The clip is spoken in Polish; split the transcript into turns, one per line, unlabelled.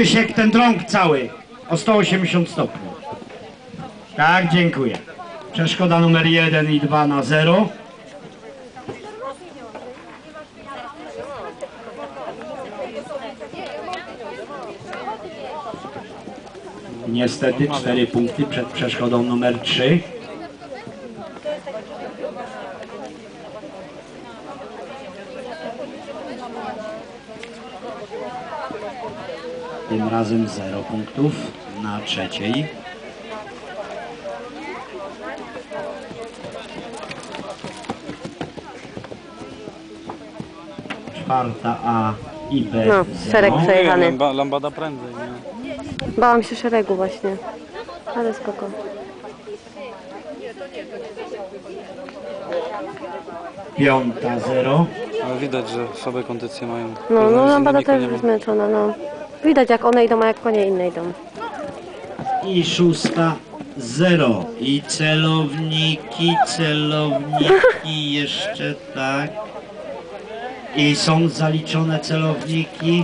Krzysiek, ten drąg cały o 180 stopni. Tak, dziękuję. Przeszkoda numer 1 i 2 na 0. Niestety 4 punkty przed przeszkodą numer 3. Tym razem 0 punktów na trzeciej. Czwarta A i B.
No, szereg przejechany.
Lambada prędzej, nie?
Bałam się szeregu właśnie, ale spoko.
Piąta 0.
Ale widać, że słabe kondycje mają.
No, Lambada też
nie ma.
zmęczona, no. Widać jak one idą, a jak konie inne idą.
I szósta 0. I celowniki jeszcze tak. I są zaliczone celowniki.